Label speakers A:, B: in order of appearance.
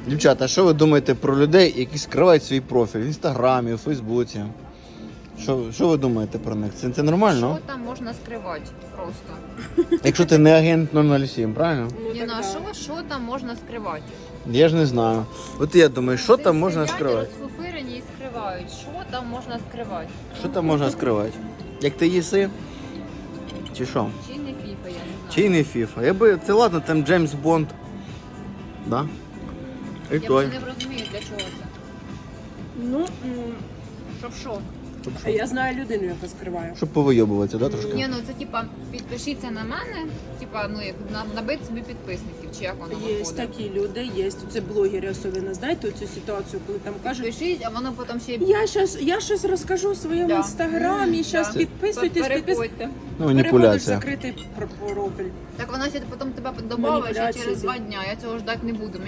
A: Дівчата, що ви думаєте про людей, які скривають свій профіль в Інстаграмі, у Фейсбуці? Що ви думаєте про них? Це нормально?
B: Що там можна скривати просто?
A: Якщо ти не агент 007, правильно?
B: Ні, ну а що там можна скривати?
A: Я ж не знаю. От я думаю, що там можна
B: Сидять,
A: скривати?
B: розфуфирені і скривають. Що там можна скривати?
A: Що там можна скривати? Як ти їси? Чи що?
B: Чи не фіфа, я не знаю.
A: Чи не FIFA? Це ладно, там Джеймс Бонд. Да? І
B: Я
A: той.
B: вже не розумію, для чого це.
C: Ну,
B: Щоб що?
C: а я знаю людину, яка скриває.
A: Щоб повийобуватися, да, трошки?
B: Ні, ну це типа підпишіться на мене, типа, ну як набити собі підписників, чи як воно
C: Є
B: виходить.
C: такі люди, є. Це блогери особливо, знаєте, цю ситуацію, коли там кажуть,
B: Пишіть, а воно потім ще
C: я щось розкажу в своєму
B: Да.
C: інстаграмі, зараз
B: Да.
C: підписуйтесь,
B: Переходьте.
A: Ну,
C: переходиш в
A: маніпуляція.
C: закритий профіль.
B: Так воно ще потім тебе добавить ще
C: Маніпуляції
B: через
C: йде.
B: 2 дня. Я цього ждати не буду.